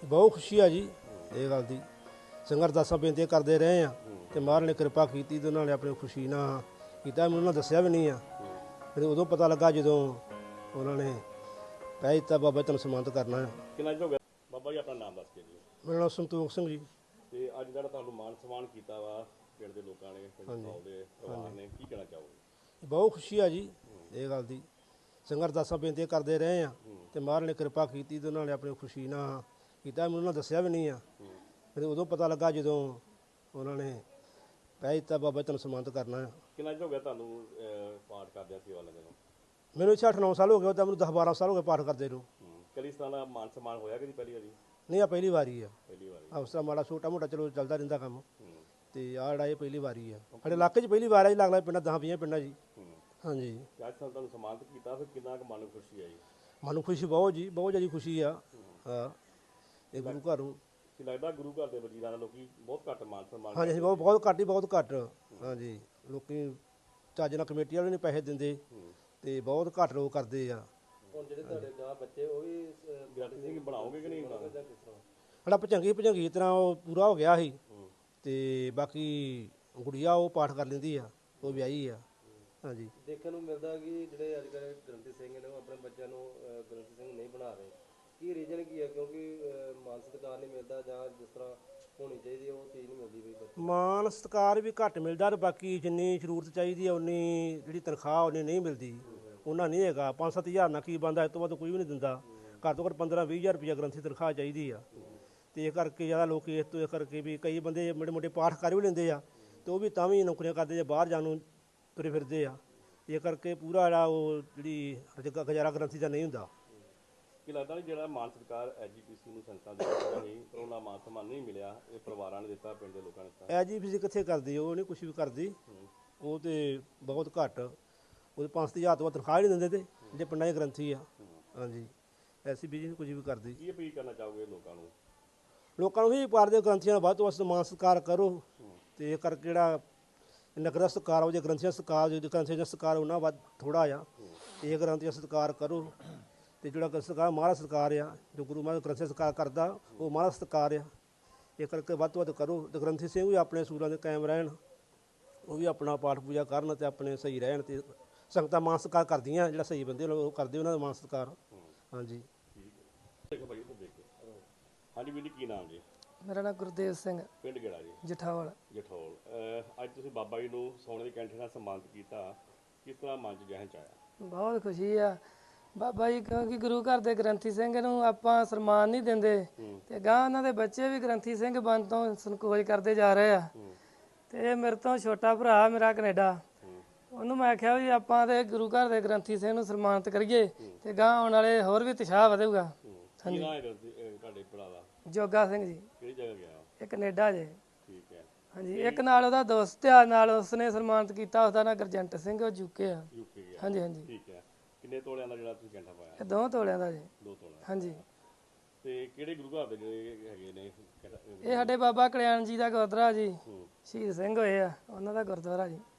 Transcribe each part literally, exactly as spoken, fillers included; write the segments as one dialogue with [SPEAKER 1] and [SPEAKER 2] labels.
[SPEAKER 1] बहुत खुशी है जी ये गल की। संगत अरदासां बेनतियां करते रहे हैं तो महाराज ने कृपा की तो उन्होंने अपनी खुशी ना किया। मैं उन्होंने दसिया भी नहीं है, फिर उदों पता लगा जो उन्होंने कह दिता बाबा तुम सम्मानित करना है।
[SPEAKER 2] कितना हो गया बाबा जी? अपना नाम दस के जी।
[SPEAKER 1] मेरा नाम संतोख सिंह जी।
[SPEAKER 2] ਤੇ ਅੱਜ ਜਿਹੜਾ ਤੁਹਾਨੂੰ ਮਾਨ ਸਨਮਾਨ ਕੀਤਾ ਵਾ ਪਿੰਡ ਦੇ ਲੋਕਾਂ ਨੇ, ਪਿੰਡ ਦੇ ਪਰਿਵਾਰ ਨੇ, ਕੀ ਕਹਿਣਾ ਚਾਹੋਗੇ?
[SPEAKER 1] बहुत खुशी है जी ये गल की। संगत अरदासां बेनतियां करते रहे हैं तो महाराज ने कृपा की तो उन्होंने अपनी खुशी ना किया। मैं उन्होंने दसिया भी नहीं है, फिर उदों पता लगा जो उन्होंने कह दिता बाबा तुम सम्मानित करना है।
[SPEAKER 2] ਕਿੰਨਾ ਹੋ ਗਿਆ ਤੁਹਾਨੂੰ ਪਾਠ ਕਰਦਿਆਂ ਸੇਵਾ ਲੈਂਦੇ ਨੂੰ?
[SPEAKER 1] मैंने इत्थे अठ नौ साल हो गए, तो मैं दस बारह साल हो गए पाठ करते ਨੂੰ।
[SPEAKER 2] ਕਦੀ ਇਸ ਤਰ੍ਹਾਂ ਦਾ ਮਾਨ ਸਨਮਾਨ ਹੋਇਆ ਕਦੀ ਪਹਿਲੀ ਵਾਰੀ?
[SPEAKER 1] नहीं आ पहली बारी है।
[SPEAKER 2] ਪਹਿਲੀ ਵਾਰੀ।
[SPEAKER 1] आ उस तरह माड़ा छोटा मोटा चलो चलता रहिंदा काम, तो आ जिहड़ा ये पहली बारी है साडे इलाके 'ਚ पहली बार है जी। लगदा पिंडां दस बीस पिंडां जी। हाँ जी।
[SPEAKER 2] ਅੱਜ ਸਾਨੂੰ ਤੁਹਾਨੂੰ ਸਨਮਾਨਿਤ ਕੀਤਾ, ਫਿਰ ਕਿੰਨਾ ਕੁ ਮਨ ਨੂੰ ਖੁਸ਼ੀ ਆਈ?
[SPEAKER 1] मानू खुशी बहुत जी, बहुत ज़्यादा खुशी आ। हाँ ये गुरु घर नूं।
[SPEAKER 2] ਕੀ ਲੱਗਦਾ ਗੁਰੂ ਘਰ ਦੇ ਵਜ਼ੀਰਾਂ ਨਾਲ ਲੋਕੀ ਬਹੁਤ ਘੱਟ ਮਾਨ ਸਨਮਾਨ
[SPEAKER 1] हाँ जी हाँ, बहुत बहुत घट ही बहुत घट। हाँ जी लोकी ਚੱਜ ਨਾਲ कमेटी वाले नहीं पैसे दिंदे ते बहुत घट लोग करते आ।
[SPEAKER 2] ਹੁਣ ਜਿਹੜੇ ਤੁਹਾਡੇ ਗਾਂ ਬੱਚੇ ਉਹ ਵੀ ਗਿਆਨੀ ਸਿੰਘ ਬਣਾਓਗੇ ਕਿ ਨਹੀਂ ਬਣਾਓਗੇ?
[SPEAKER 1] ਸਾਡਾ ਭਜੰਗੀ ਭਜੰਗੀ ਤਰ੍ਹਾਂ ਉਹ ਪੂਰਾ ਹੋ ਗਿਆ ਸੀ ਤੇ ਬਾਕੀ ਗੁੜੀਆ ਉਹ ਪਾਠ ਕਰ ਲੈਂਦੀ ਆ, ਉਹ ਵਿਆਹੀ ਆ। ਹਾਂਜੀ।
[SPEAKER 3] ਦੇਖਣ ਨੂੰ ਮਿਲਦਾ ਕਿ ਜਿਹੜੇ ਅੱਜ ਕੱਲ੍ਹ ਗ੍ਰੰਥੀ ਸਿੰਘ ਨੇ ਉਹ ਆਪਣੇ ਬੱਚਿਆਂ ਨੂੰ ਗ੍ਰੰਥੀ ਸਿੰਘ ਨਹੀਂ ਬਣਾ ਰਹੇ, ਕੀ ਰੀਜ਼ਨ ਕੀ ਹੈ? ਕਿਉਂਕਿ ਮਾਨ ਸਤਿਕਾਰ ਨਹੀਂ ਮਿਲਦਾ ਜਾਂ ਜਿਸ ਤਰ੍ਹਾਂ ਹੋਣੀ ਚਾਹੀਦੀ ਉਹ ਚੀਜ਼ ਨਹੀਂ ਮਿਲਦੀ ਬਈ।
[SPEAKER 1] ਮਾਨ ਸਤਿਕਾਰ ਵੀ ਘੱਟ ਮਿਲਦਾ ਤੇ ਬਾਕੀ ਜਿੰਨੀ ਜ਼ਰੂਰਤ ਚਾਹੀਦੀ ਆ ਉਨੀ ਜਿਹੜੀ ਤਨਖਾਹ ਉਨੀ ਨਹੀਂ ਮਿਲਦੀ, ਉਹਨਾਂ ਨਹੀਂ ਹੈਗਾ। ਪੰਜ ਸੱਤ ਹਜ਼ਾਰ ਨਾਲ ਕੀ ਬਣਦਾ, ਇਸ ਤੋਂ ਵੱਧ ਕੋਈ ਵੀ ਨਹੀਂ ਦਿੰਦਾ। ਘੱਟ ਤੋਂ ਘੱਟ ਪੰਦਰਾਂ ਵੀਹ ਹਜ਼ਾਰ ਰੁਪਈਆ ਗ੍ਰੰਥੀ ਤਨਖਾਹ ਚਾਹੀਦੀ ਆ। ਤੇ ਇਹ ਕਰਕੇ ਜ਼ਿਆਦਾ ਲੋਕ ਇਸ ਤੋਂ ਇਹ ਕਰਕੇ ਵੀ ਕਈ ਬੰਦੇ ਮੋਟੇ ਮੋਟੇ ਪਾਠ ਕਰ ਵੀ ਲੈਂਦੇ ਆ ਤੇ ਉਹ ਵੀ ਤਾਂ ਵੀ ਨੌਕਰੀਆਂ ਕਰਦੇ ਜਾਂ ਬਾਹਰ ਜਾਣ ਨੂੰ ਤੁਰੇ ਫਿਰਦੇ ਆ। ਇਹ ਕਰਕੇ ਪੂਰਾ ਜਿਹੜਾ ਉਹ ਜਿਹੜੀ ਗੁਜ਼ਾਰਾ ਗ੍ਰੰਥੀ ਦਾ ਨਹੀਂ ਹੁੰਦਾ।
[SPEAKER 2] ਕੀ ਲੱਗਦਾ ਨਹੀਂ ਜਿਹੜਾ ਮਾਨ ਸਤਿਕਾਰ ਐਜੀਪੀਸੀ ਨੂੰ ਸੰਸਥਾ ਦੇ ਦਿੱਤਾ ਨਹੀਂ, ਪਰ ਉਹਨਾਂ ਮਾਨ ਸਨਮਾਨ ਨਹੀਂ ਮਿਲਿਆ, ਇਹ ਪਰਿਵਾਰਾਂ ਨੇ ਦਿੱਤਾ, ਪਿੰਡ ਦੇ ਲੋਕਾਂ ਨੇ ਦਿੱਤਾ?
[SPEAKER 1] ਐਜੀਪੀਸੀ ਕਿੱਥੇ ਕਰਦੀ, ਉਹ ਨਹੀਂ ਕੁਛ ਵੀ ਕਰਦੀ। ਉਹ ਤੇ ਬਹੁਤ ਘੱਟ, ਉਹਦੇ ਪੰਜ ਹਜ਼ਾਰ ਤੋਂ ਵੱਧ ਤਨਖਾਹ ਨਹੀਂ ਦਿੰਦੇ ਤੇ ਜਿਹੜੇ ਪਿੰਡਾਂ ਦੇ ਗ੍ਰੰਥੀ ਆ। ਹਾਂਜੀ ਐਸੀ ਬੀਜੀ ਨਹੀਂ ਕੁਝ ਵੀ ਕਰਦੀ।
[SPEAKER 2] ਕੀ ਅਪੀਲ ਕਰਨਾ ਚਾਹੋਗੇ ਲੋਕਾਂ ਨੂੰ?
[SPEAKER 1] ਲੋਕਾਂ ਨੂੰ ਵੀ ਪਾਰਦੇ ਗ੍ਰੰਥੀਆਂ ਦਾ ਵੱਧ ਤੋਂ ਵੱਧ ਮਾਨ ਸਤਿਕਾਰ ਕਰੋ ਤੇ ਇਹ ਕਰਕੇ ਜਿਹੜਾ ਨਗਰ ਦਾ ਸਤਿਕਾਰ ਹੋ ਜੇ ਗ੍ਰੰਥੀਆਂ ਸਤਿਕਾਰ ਜੇ ਗ੍ਰੰਥੀਆਂ ਦਾ ਸਤਿਕਾਰ ਉਹਨਾਂ ਵੱਧ ਥੋੜ੍ਹਾ ਆ। ਇਹ ਗ੍ਰੰਥੀਆਂ ਸਤਿਕਾਰ ਕਰੋ ਤੇ ਜਿਹੜਾ ਸਤਿਕਾਰ ਮਹਾਰਾਜ ਸਤਿਕਾਰ ਆ, ਜੋ ਗੁਰੂ ਮਹਾਰਾਜ ਗ੍ਰੰਥੀ ਸਤਿਕਾਰ ਕਰਦਾ ਉਹ ਮਹਾਰਾਜ ਸਤਿਕਾਰ ਆ। ਇਹ ਕਰਕੇ ਵੱਧ ਤੋਂ ਵੱਧ ਕਰੋ ਤੇ ਗ੍ਰੰਥੀ ਸਿੰਘ ਵੀ ਆਪਣੇ ਸੂਰਾਂ ਦੇ ਕਾਇਮ ਰਹਿਣ, ਉਹ ਵੀ ਆਪਣਾ ਪਾਠ ਪੂਜਾ ਕਰਨ ਤੇ ਆਪਣੇ ਸਹੀ ਰਹਿਣ ਤੇ ਸੰਗਤਾਂ ਮਾਨ ਸਤਿਕਾਰ ਕਰਦੀਆਂ। ਜਿਹੜਾ ਸਹੀ ਬੰਦੇ ਉਹ ਕਰਦੇ ਉਹਨਾਂ ਦਾ ਮਾਨ ਸਤਿਕਾਰ। ਹਾਂਜੀ
[SPEAKER 2] ਦੇਖੋ ਭਾਈ ਇੱਧਰ ਦੇਖ ਕੇ। ਹਾਂਜੀ ਵੀਰ ਜੀ, ਕੀ ਨਾਮ ਜੀ?
[SPEAKER 4] ਮੇਰਾ ਨਾਮ ਗੁਰਦੇਵ ਸਿੰਘ,
[SPEAKER 2] ਪਿੰਡ ਕਿਹੜਾ ਜੀ?
[SPEAKER 4] ਜਠਾਵਲ।
[SPEAKER 2] ਜਠੌਲ। ਅਹ ਅੱਜ ਤੁਸੀਂ ਬਾਬਾ ਜੀ ਨੂੰ ਸੋਨੇ ਦੀ ਕੈਂਠੇ ਨਾਲ ਸਨਮਾਨਿਤ ਕੀਤਾ, ਕਿਸ ਤਰ੍ਹਾਂ ਮਨ 'ਚ ਜਹਨ 'ਚ ਆਇਆ?
[SPEAKER 4] ਬਹੁਤ ਖੁਸ਼ੀ ਆ ਬਾਬਾ ਜੀ, ਕਿਉਂਕਿ ਗੁਰੂ ਘਰ ਦੇ ਗ੍ਰੰਥੀ ਸਿੰਘ ਨੂੰ ਆਪਾਂ ਸਨਮਾਨ ਨਹੀਂ ਦਿੰਦੇ ਤੇ ਗਾਂ ਉਹਨਾਂ ਦੇ ਬੱਚੇ ਵੀ ਗ੍ਰੰਥੀ ਸਿੰਘ ਬਣ ਤੋਂ ਸੰਕੋਚ ਕਰਦੇ ਜਾ ਰਹੇ ਆ। ਤੇ ਮੇਰੇ ਤੋਂ ਛੋਟਾ ਭਰਾ ਮੇਰਾ ਕੈਨੇਡਾ, ਉਹਨੂੰ ਮੈਂ ਆਖਿਆ ਵੀ ਆਪਾਂ ਤੇ ਗੁਰੂ ਘਰ ਦੇ ਗ੍ਰੰਥੀ ਸਿੰਘ ਨੂੰ ਸਨਮਾਨਿਤ ਕਰੀਏ ਤੇ ਗਾਂ ਆਉਣ ਵਾਲੇ ਹੋਰ ਵੀ ਉਤਸ਼ਾਹ ਵਧੇਗਾ।
[SPEAKER 2] ਕੀ ਨਾਮ ਹੈ ਤੁਹਾਡੇ ਭਰਾ ਦਾ?
[SPEAKER 4] ਜੋਗਾ ਸਿੰਘ ਜੀ।
[SPEAKER 2] ਕਿਹੜੀ ਜਗ੍ਹਾ ਗਿਆ?
[SPEAKER 4] ਇਹ ਕੈਨੇਡਾ ਜੇ।
[SPEAKER 2] ਠੀਕ ਹੈ।
[SPEAKER 4] ਹਾਂਜੀ। ਇੱਕ ਨਾਲ ਉਹਦਾ ਦੋਸਤ ਆ, ਨਾਲ ਉਸਨੇ ਸਨਮਾਨਿਤ ਕੀਤਾ, ਉਸਦਾ ਨਾਂ ਗੁਰਜੰਟ ਸਿੰਘ, ਉਹ ਯੂਕੇ ਆ।
[SPEAKER 2] ਯੂਕੇ ਗਿਆ?
[SPEAKER 4] ਹਾਂਜੀ ਹਾਂਜੀ।
[SPEAKER 2] ਠੀਕ ਹੈ। ਕਿੰਨੇ ਤੋਲਿਆਂ ਦਾ ਜਿਹੜਾ ਤੁਸੀਂ ਕੈਂਠਾ ਪਾਇਆ?
[SPEAKER 4] ਇਹ ਦੋ ਤੋਲਿਆਂ ਦਾ ਜੀ।
[SPEAKER 2] ਦੋ ਤੋਲਿਆਂ।
[SPEAKER 4] ਹਾਂਜੀ।
[SPEAKER 2] ਤੇ ਕਿਹੜੇ ਗੁਰੂ ਘਰ ਦੇ ਜਿਹੜੇ ਹੈਗੇ ਨੇ?
[SPEAKER 4] ਇਹ ਸਾਡੇ ਬਾਬਾ ਕਲਿਆਣ ਜੀ ਦਾ ਗੁਰਦੁਆਰਾ ਜੀ, ਸ਼ਹੀਦ ਸਿੰਘ ਹੋਏ ਆ ਉਹਨਾਂ ਦਾ ਗੁਰਦੁਆਰਾ ਜੀ।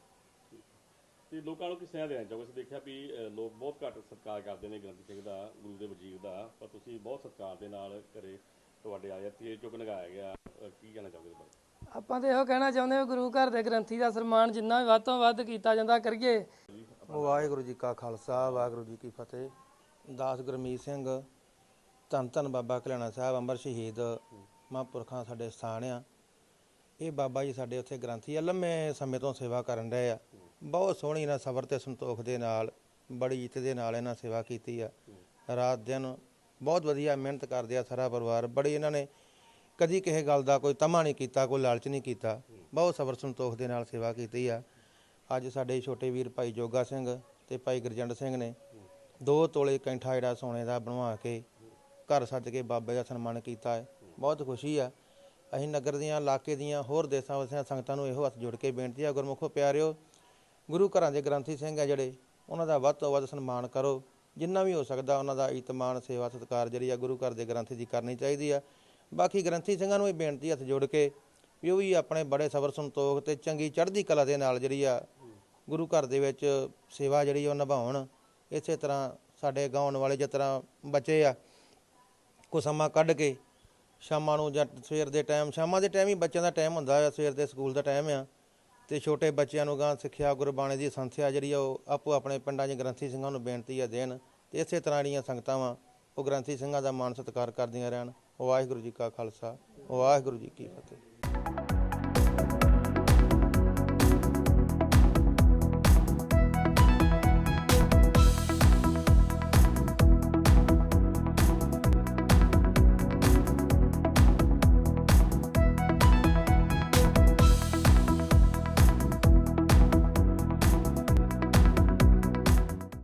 [SPEAKER 2] ਤੇ ਲੋਕਾਂ ਨੂੰ ਕਿਸ ਤਰ੍ਹਾਂ ਦੇਣਾ ਚਾਹੋਗੇ? ਅਸੀਂ ਦੇਖਿਆ ਵੀ ਲੋਕ ਬਹੁਤ ਘੱਟ ਸਤਿਕਾਰ ਕਰਦੇ ਨੇ ਗ੍ਰੰਥੀ ਸਿੰਘ ਦਾ, ਗੁਰੂ ਦੇ ਵਜੀਰ ਦਾ, ਪਰ ਤੁਸੀਂ ਬਹੁਤ ਸਤਿਕਾਰ ਦੇ ਨਾਲ ਘਰੇ ਤੁਹਾਡੇ ਆਇਆ ਤੇ ਚੁੱਕ ਲਗਾਇਆ ਗਿਆ, ਕੀ ਕਹਿਣਾ ਚਾਹੋਗੇ?
[SPEAKER 4] ਆਪਾਂ ਤਾਂ ਇਹੋ ਕਹਿਣਾ ਚਾਹੁੰਦੇ ਹਾਂ ਗੁਰੂ ਘਰ ਦੇ ਗ੍ਰੰਥੀ ਦਾ ਸਨਮਾਨ ਜਿੰਨਾ ਵੀ ਵੱਧ ਤੋਂ ਵੱਧ ਕੀਤਾ ਜਾਂਦਾ ਕਰੀਏ।
[SPEAKER 3] ਵਾਹਿਗੁਰੂ ਜੀ ਕਾ ਖਾਲਸਾ, ਵਾਹਿਗੁਰੂ ਜੀ ਕੀ ਫਤਿਹ। ਦਾਸ ਗੁਰਮੀਤ ਸਿੰਘ, ਧੰਨ ਧੰਨ ਬਾਬਾ ਕਲਿਆਣਾ ਸਾਹਿਬ ਅੰਮ੍ਰਿਤ ਸ਼ਹੀਦ ਮਹਾਂਪੁਰਖਾਂ ਸਾਡੇ ਸਥਾਨ ਆ। ਇਹ ਬਾਬਾ ਜੀ ਸਾਡੇ ਉੱਥੇ ਗ੍ਰੰਥੀ ਆ, ਲੰਮੇ ਸਮੇਂ ਤੋਂ ਸੇਵਾ ਕਰਨ ਰਹੇ ਆ। ਬਹੁਤ ਸੋਹਣੀ ਇਹਨਾਂ ਸਬਰ ਅਤੇ ਸੰਤੋਖ ਦੇ ਨਾਲ, ਬੜੀ ਇੱਜ਼ਤ ਦੇ ਨਾਲ ਇਹਨਾਂ ਸੇਵਾ ਕੀਤੀ ਆ। ਰਾਤ ਦਿਨ ਬਹੁਤ ਵਧੀਆ ਮਿਹਨਤ ਕਰਦੇ ਆ ਸਾਰਾ ਪਰਿਵਾਰ। ਬੜੀ ਇਹਨਾਂ ਨੇ ਕਦੀ ਕਿਸੇ ਗੱਲ ਦਾ ਕੋਈ ਤਮਾ ਨਹੀਂ ਕੀਤਾ, ਕੋਈ ਲਾਲਚ ਨਹੀਂ ਕੀਤਾ। ਬਹੁਤ ਸਬਰ ਸੰਤੋਖ ਦੇ ਨਾਲ ਸੇਵਾ ਕੀਤੀ ਆ। ਅੱਜ ਸਾਡੇ ਛੋਟੇ ਵੀਰ ਭਾਈ ਜੋਗਾ ਸਿੰਘ ਅਤੇ ਭਾਈ ਗੁਰਜੰਟ ਸਿੰਘ ਨੇ ਦੋ ਤੋਲੇ ਕੈਂਠਾ ਜਿਹੜਾ ਸੋਨੇ ਦਾ ਬਣਵਾ ਕੇ ਘਰ ਸੱਜ ਕੇ ਬਾਬੇ ਦਾ ਸਨਮਾਨ ਕੀਤਾ ਹੈ। ਬਹੁਤ ਖੁਸ਼ੀ ਆ। ਅਸੀਂ ਨਗਰ ਦੀਆਂ, ਇਲਾਕੇ ਦੀਆਂ, ਹੋਰ ਦੇਸਾਂ ਵਸਿਆਂ ਸੰਗਤਾਂ ਨੂੰ ਇਹੋ ਹੱਥ ਜੋੜ ਕੇ ਬੇਨਤੀ ਆ, ਗੁਰਮੁਖੋ ਪਿਆਰਿਓ, ਗੁਰੂ ਘਰਾਂ ਦੇ ਗ੍ਰੰਥੀ ਸਿੰਘ ਆ ਜਿਹੜੇ, ਉਹਨਾਂ ਦਾ ਵੱਧ ਤੋਂ ਵੱਧ ਸਨਮਾਨ ਕਰੋ। ਜਿੰਨਾ ਵੀ ਹੋ ਸਕਦਾ ਉਹਨਾਂ ਦਾ ਇਤਮਾਨ, ਸੇਵਾ, ਸਤਿਕਾਰ ਜਿਹੜੀ ਆ ਗੁਰੂ ਘਰ ਦੇ ਗ੍ਰੰਥੀ ਦੀ ਕਰਨੀ ਚਾਹੀਦੀ ਆ। ਬਾਕੀ ਗ੍ਰੰਥੀ ਸਿੰਘਾਂ ਨੂੰ ਇਹ ਬੇਨਤੀ ਹੱਥ ਜੋੜ ਕੇ ਵੀ ਉਹ ਵੀ ਆਪਣੇ ਬੜੇ ਸਬਰ ਸੰਤੋਖ ਅਤੇ ਚੰਗੀ ਚੜ੍ਹਦੀ ਕਲਾ ਦੇ ਨਾਲ ਜਿਹੜੀ ਆ ਗੁਰੂ ਘਰ ਦੇ ਵਿੱਚ ਸੇਵਾ ਜਿਹੜੀ ਉਹ ਨਿਭਾਉਣ। ਇਸੇ ਤਰ੍ਹਾਂ ਸਾਡੇ ਗਾਉਣ ਵਾਲੇ ਜਿਸ ਤਰ੍ਹਾਂ ਬੱਚੇ ਆ, ਕੁਛ ਸਮਾਂ ਕੱਢ ਕੇ ਸ਼ਾਮਾਂ ਨੂੰ ਜਾਂ ਸਵੇਰ ਦੇ ਟਾਈਮ, ਸ਼ਾਮਾਂ ਦੇ ਟਾਈਮ ਹੀ ਬੱਚਿਆਂ ਦਾ ਟਾਈਮ ਹੁੰਦਾ ਆ, ਸਵੇਰ ਦੇ ਸਕੂਲ ਦਾ ਟਾਈਮ ਆ, ਤੇ ਛੋਟੇ ਬੱਚਿਆਂ ਨੂੰ ਗਾਂ ਸਿੱਖਿਆ ਗੁਰਬਾਣੀ ਦੀ ਸੰਥਿਆ ਜਿਹੜੀ ਆ ਉਹ ਆਪੋ ਆਪਣੇ ਪਿੰਡਾਂ 'ਚ ਗ੍ਰੰਥੀ ਸਿੰਘਾਂ ਨੂੰ ਬੇਨਤੀ ਆ ਦੇਣ, ਤੇ ਇਸੇ ਤਰ੍ਹਾਂ ਜਿਹੜੀਆਂ ਸੰਗਤਾਂ ਵਾ ਉਹ ਗ੍ਰੰਥੀ ਸਿੰਘਾਂ ਦਾ ਮਾਣ ਸਤਿਕਾਰ ਕਰਦੀਆਂ ਰਹਿਣ। ਵਾਹਿਗੁਰੂ ਜੀ ਕਾ ਖਾਲਸਾ, ਵਾਹਿਗੁਰੂ ਜੀ ਕੀ ਫਤਿਹ।